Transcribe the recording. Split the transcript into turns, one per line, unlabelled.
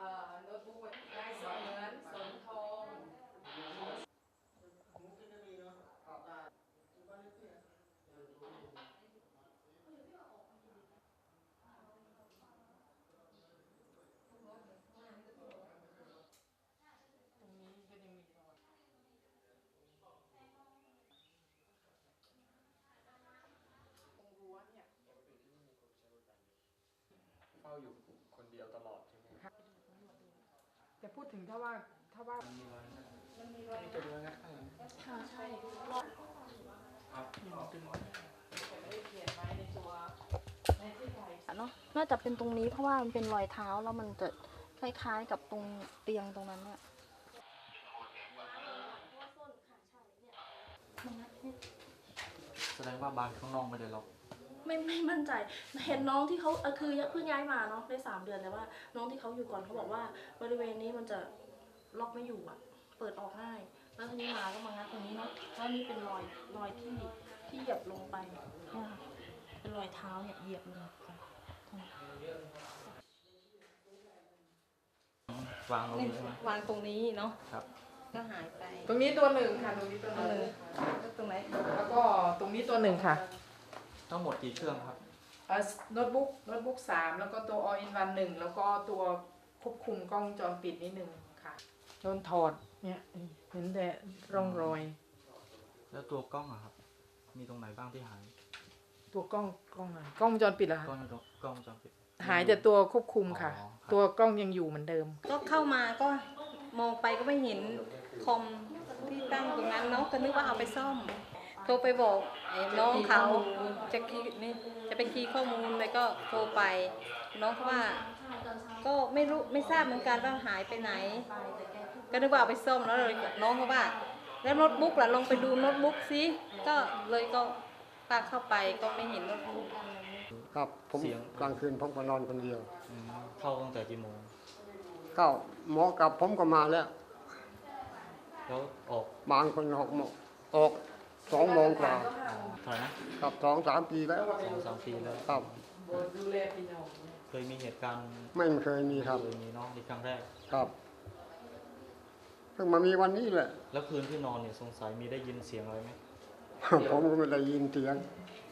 โน้ตบุ๊กลายเสมือนสนทองตรงนี้ก็ยังมีรอยตรงรั้วเนี่ย
เฝ้าอยู่คนเดียวตลอดใช่ไหม
แต่พูดถึงถ้าว่า
มันมีรอยนะ
มันมีรอย
นี่จะดูงัดข้างหลัง
ใช่
ครับดึง
แต่ไม่ได้เขียนไว้ในตัวในที่ไทย
เนาะน่าจะเป็นตรงนี้เพราะว่ามันเป็นรอยเท้าแล้วมันจะคล้ายๆกับตรงเตียงตรงนั้นเนี่ย
แสดงว่าบานข้างนอกไม่ได้ล็อก
ไม่มั่นใจเห็นน้องที่เขาคือเพิ่งย้ายมาเนาะได้3 เดือนแต่ว่าน้องที่เขาอยู่ก่อนเขาบอกว่าบริเวณนี้มันจะล็อกไม่อยู่อ่ะเปิดออกง่ายแล้วทีนี้มาก็มางัดตรงนี้เนาะแล้วนี่เป็นรอยที่เหยียบลงไปเนี่ยค่ะเป็นรอยเท้าเนี่ยเหยียบลงไป
วางตรงนี้ใช่ไหม
วางตรงนี้เนาะ
ครับ
ก็หายไป
ตรงนี้ตัวหนึ่งค่ะตรงนี้ตัวหนึ่ง
ตรงไหน
แล้วก็ตรงนี้ตัวหนึ่งค่ะ
ทั้งหมดกี่เครื่องครับ
โน้ตบุ๊ก3แล้วก็ตัว all in one 1แล้วก็ตัวควบคุมกล้องวงจรปิดนิดหนึ่งค่ะโดนถอดเนี่ยเห็นแต่ร่องรอย
แล้วตัวกล้องอะครับ มีตรงไหนบ้างที่หาย
ตัวกล้องอะไรกล้องวงจรปิดเหรอคะ
กล้องวงจรปิด
หายแต่ตัวควบคุมค่ะ
อ๋อครับ
ตัวกล้องยังอยู่เหมือนเดิม
ก็เข้ามาก็มองไปก็ไม่เห็นคอมที่ตั้งตรงนั้นเนาะก็นึกว่าเอาไปซ่อมโทรไปบอกไอ้น้องเขาจะไปคีย์ข้อมูลแล้วก็โทรไปน้องเขาว่า ก็ไม่ทราบเหมือนกันว่าหายไปไหน ก็นึกว่าเอาไปซ่อมแล้วเลยน้องเขาว่า แล้วโน้ตบุ๊กล่ะลองไปดูโน้ตบุ๊กซิก็เลยก็พาเข้าไปก็ไม่เห็นโน้ตบุ๊ก
ครับผมกลางคืนผมก็นอนคนเดียว
อืมเข้าตั้งแต่กี่โมง
ก็หมอกับผมก็มาแล้ว
แล้วออก
บางคนออก2 โมงกว่า
เท่าไหร่นะ
กับ2-3 ปีแล้ว
2-3 ปีแล้ว
ครับ
ดูแลพี่น้อง
เคยมีเหตุการณ์
ไม่เคยมีครับ
เคยมีเน้องในครั้งแรก
ครับเพิ่งมามีวันนี้แหละ
แล้วคืนที่นอนเนี่ยสงสัยมีได้ยินเสียงอะไรไหม
ผมก็ไม่ได้ยินเสียง